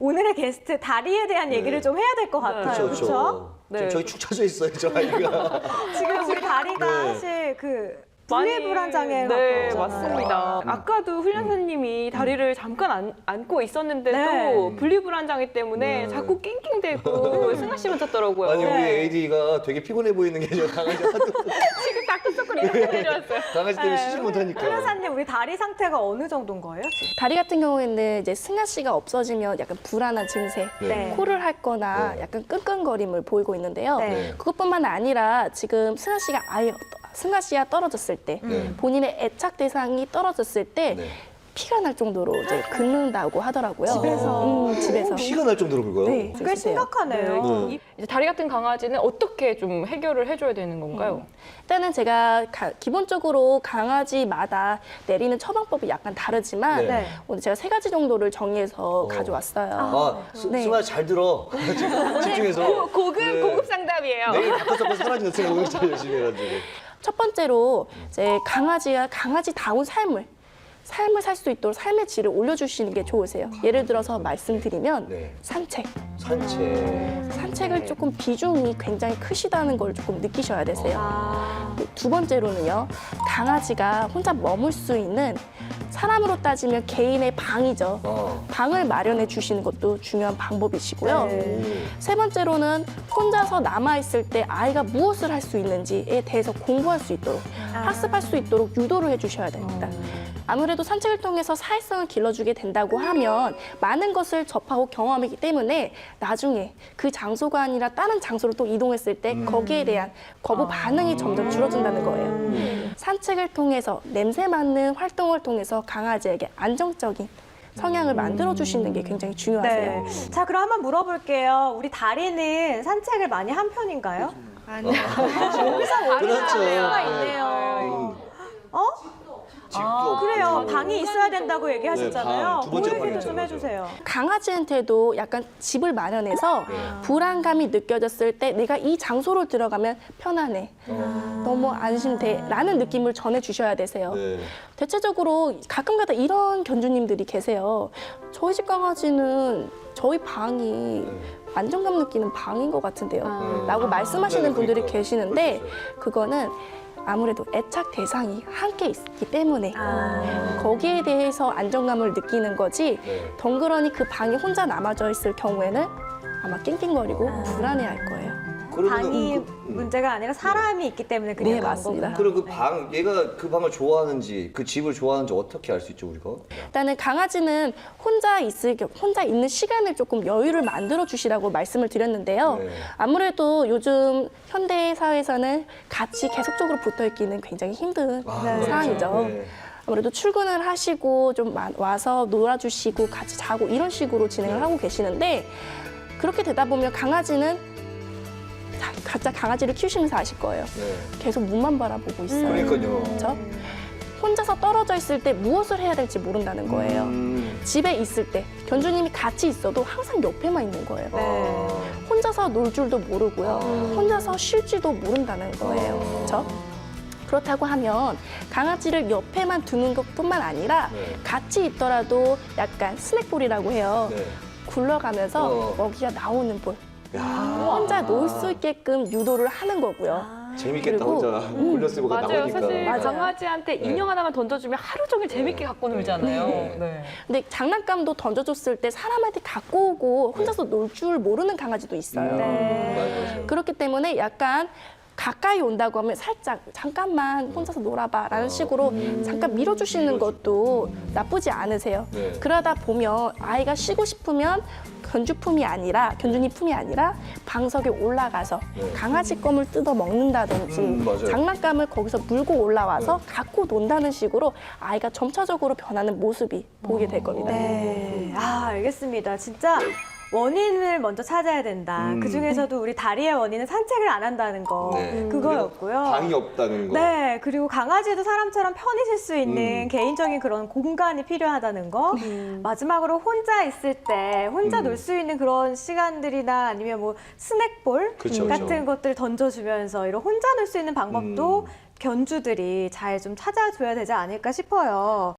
오늘의 게스트 다리에 대한 얘기를 좀 해야 될 것 같아요. 그렇죠? 네. 저희 축 처져 있어요, 저 아이가. 지금 우리 다리가 네. 사실 그 분리불안 장애 네, 갖고 맞습니다. 아까도 훈련사님이 다리를 잠깐 안고 있었는데도 네. 분리불안 장애 때문에 네. 자꾸 낑낑대고 승아 씨만 찾더라고요. 아니, 우리 네. AD가 되게 피곤해 보이는 게 저 강아지 하도 지금 다크서클 이렇게 내려왔어요. 강아지 때문에 네. 쉬지 못하니까. 훈련사님 우리 다리 상태가 어느 정도인 거예요? 지금? 다리 같은 경우에는 이제 승아 씨가 없어지면 약간 불안한 증세, 네. 코를 핥거나 네. 약간 끙끙거림을 보이고 있는데요. 네. 그것뿐만 아니라 지금 승아 씨가 승아 씨와 떨어졌을 때, 본인의 애착 대상이 떨어졌을 때 네. 피가 날 정도로 이제 긁는다고 하더라고요. 집에서? 집에서. 피가 날 정도로 긁어요? 네. 꽤 그러세요. 심각하네요. 네. 이제 다리 같은 강아지는 어떻게 좀 해결을 해줘야 되는 건가요? 일단은 제가 기본적으로 강아지마다 내리는 처방법이 약간 다르지만 네. 오늘 제가 3가지 정도를 정리해서 가져왔어요. 아, 네. 승아 잘 들어. 집중해서. 고급 네. 고급 상담이에요. 내일 다크서클 사라지는 생각을 잘 열심히 해가지고. 첫 번째로 이제 강아지다운 삶을 살 수 있도록 삶의 질을 올려주시는 게 좋으세요. 예를 들어서 말씀드리면 네. 산책. 산책. 산책을 조금 비중이 굉장히 크시다는 걸 조금 느끼셔야 되세요. 아, 두 번째로는요, 강아지가 혼자 머물 수 있는 사람으로 따지면 개인의 방이죠. 방을 마련해 주시는 것도 중요한 방법이시고요. 네. 세 번째로는 혼자서 남아있을 때 아이가 무엇을 할 수 있는지에 대해서 공부할 수 있도록, 학습할 수 있도록 유도를 해주셔야 됩니다. 아무래도 산책을 통해서 사회성을 길러주게 된다고 하면 많은 것을 접하고 경험하기 때문에 나중에 그 장소가 아니라 다른 장소로 또 이동했을 때 거기에 대한 거부 반응이 점점 줄어든다는 거예요. 산책을 통해서 냄새 맡는 활동을 통해서 강아지에게 안정적인 성향을 만들어주시는 게 굉장히 중요하세요. 네. 자, 그럼 한번 물어볼게요. 우리 다리는 산책을 많이 한 편인가요? 아니요. 여기서 원인을 그렇죠. 수가 네. 있네요. 어? 집도 그래요. 없고. 방이 있어야 된다고 얘기하셨잖아요. 방, 두 번째 그 얘기도 방이죠, 좀 맞아. 해주세요. 강아지한테도 약간 집을 마련해서 불안감이 느껴졌을 때 내가 이 장소로 들어가면 편안해, 너무 안심돼 라는 느낌을 전해주셔야 되세요. 네. 대체적으로 가끔가다 이런 견주님들이 계세요. 저희 집 강아지는 저희 방이 안정감 느끼는 방인 것 같은데요 라고 말씀하시는 네, 분들이 그러니까요. 계시는데 그럴 수 있어요. 그거는 아무래도 애착 대상이 함께 있기 때문에 아. 거기에 대해서 안정감을 느끼는 거지 네. 덩그러니 그 방에 혼자 남아져 있을 경우에는 아마 낑낑거리고 불안해할 거예요. 그러면은 방이 문제가 아니라 사람이 있기 때문에 그냥 네, 그런 맞습니다. 거구나. 그리고 그 방, 얘가 그 방을 좋아하는지, 그 집을 좋아하는지 어떻게 알 수 있죠, 우리가? 일단은 강아지는 혼자 있는 시간을 조금 여유를 만들어 주시라고 말씀을 드렸는데요. 네. 아무래도 요즘 현대 사회에서는 같이 계속적으로 붙어 있기는 굉장히 힘든 상황이죠. 네. 아무래도 출근을 하시고 좀 와서 놀아주시고 같이 자고 이런 식으로 진행을 하고 계시는데 그렇게 되다 보면 강아지는 각자 강아지를 키우시면서 아실 거예요. 네. 계속 문만 바라보고 있어요. 그러니까요. 그렇죠? 혼자서 떨어져 있을 때 무엇을 해야 될지 모른다는 거예요. 집에 있을 때 견주님이 같이 있어도 항상 옆에만 있는 거예요. 네. 혼자서 놀 줄도 모르고요. 혼자서 쉴지도 모른다는 거예요. 그렇죠? 그렇다고 하면 강아지를 옆에만 두는 것뿐만 아니라 네. 같이 있더라도 약간 스낵볼이라고 해요. 네. 굴러가면서 먹이가 나오는 볼. 야, 혼자 놀 수 있게끔 유도를 하는 거고요. 재밌겠다, 그리고, 혼자 굴려 쓰고 맞아요. 나오니까. 사실 맞아요. 강아지한테 인형 하나만 던져주면 하루 종일 재밌게 갖고 놀잖아요. 네. 네. 근데 장난감도 던져줬을 때 사람한테 갖고 오고 혼자서 놀 줄 모르는 강아지도 있어요. 네. 맞아요. 그렇기 때문에 약간 가까이 온다고 하면 살짝 잠깐만 혼자서 놀아봐 라는 식으로 잠깐 밀어주시는 것도 나쁘지 않으세요. 네. 그러다 보면 아이가 쉬고 싶으면 견주님이 품이 아니라 방석에 올라가서 네. 강아지 껌을 뜯어 먹는다든지 맞아요. 장난감을 거기서 물고 올라와서 갖고 논다는 식으로 아이가 점차적으로 변하는 모습이 보이게 될 겁니다. 네. 아, 알겠습니다. 진짜 원인을 먼저 찾아야 된다. 그 중에서도 우리 다리의 원인은 산책을 안 한다는 거. 네. 그거였고요. 방이 없다는 거. 네, 그리고 강아지도 사람처럼 편히 쉴 수 있는 개인적인 그런 공간이 필요하다는 거. 마지막으로 혼자 있을 때 혼자 놀 수 있는 그런 시간들이나 아니면 뭐 스낵볼 그쵸, 같은 그쵸. 것들 던져주면서 이런 혼자 놀 수 있는 방법도 견주들이 잘 좀 찾아줘야 되지 않을까 싶어요.